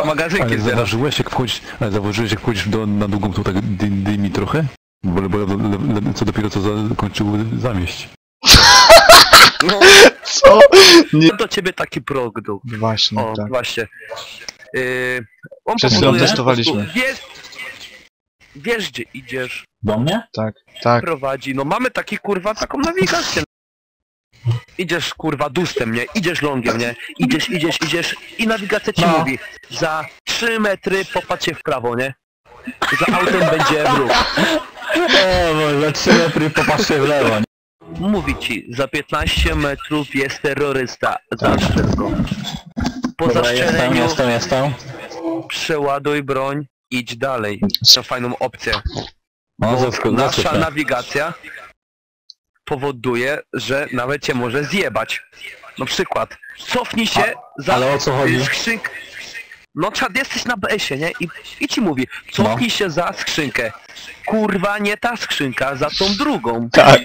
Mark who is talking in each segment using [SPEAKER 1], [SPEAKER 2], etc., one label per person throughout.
[SPEAKER 1] magazynki
[SPEAKER 2] Ale
[SPEAKER 1] zbierasz.
[SPEAKER 2] zauważyłeś jak wchodzisz na długą, to tak dymi trochę? Bo co dopiero co zakończył zamieść.
[SPEAKER 1] No,
[SPEAKER 3] Co? Nie.
[SPEAKER 1] do ciebie taki produkt.
[SPEAKER 3] Właśnie,
[SPEAKER 1] O,
[SPEAKER 3] tak.
[SPEAKER 1] właśnie. On
[SPEAKER 3] Przed chwilą
[SPEAKER 1] powoduje,
[SPEAKER 3] testowaliśmy.
[SPEAKER 1] po prostu wiesz gdzie idziesz,
[SPEAKER 4] Do mnie?
[SPEAKER 3] Tak, tak.
[SPEAKER 1] prowadzi, no mamy taki kurwa taką nawigację. Idziesz kurwa dustem, nie? Idziesz longiem, nie? Idziesz i nawigacja ci
[SPEAKER 4] No.
[SPEAKER 1] mówi za 3 metry popatrz się w prawo, nie? Za autem będzie wróg.
[SPEAKER 4] O, może 3 metry popatrzcie w lewo, nie?
[SPEAKER 1] Mówi ci, za 15 metrów jest terrorysta, zastrzel go. Po
[SPEAKER 4] Dobra,
[SPEAKER 1] zastrzeleniu
[SPEAKER 4] jestem.
[SPEAKER 1] przeładuj broń, idź dalej. To fajną opcję.
[SPEAKER 4] No,
[SPEAKER 1] Bo nasza
[SPEAKER 4] zaskoczę.
[SPEAKER 1] nawigacja powoduje, że nawet cię może zjebać. Na przykład, cofnij się za
[SPEAKER 4] ale o co chodzi?
[SPEAKER 1] skrzynkę. No czad, jesteś na BS-ie, nie? I ci mówi, cofnij się za skrzynkę. Kurwa, nie ta skrzynka, za tą drugą.
[SPEAKER 3] Tak.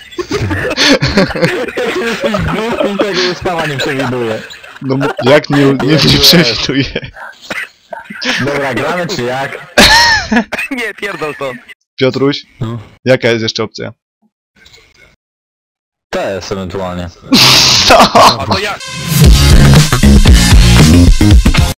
[SPEAKER 4] Tego ustawa nie przewiduje.
[SPEAKER 3] No jak nie przewiduje.
[SPEAKER 4] Dobra, gramy czy jak?
[SPEAKER 1] Nie, pierdol to.
[SPEAKER 3] Piotruś,
[SPEAKER 2] No.
[SPEAKER 3] jaka jest jeszcze opcja?
[SPEAKER 4] TS ewentualnie.
[SPEAKER 1] A to jak?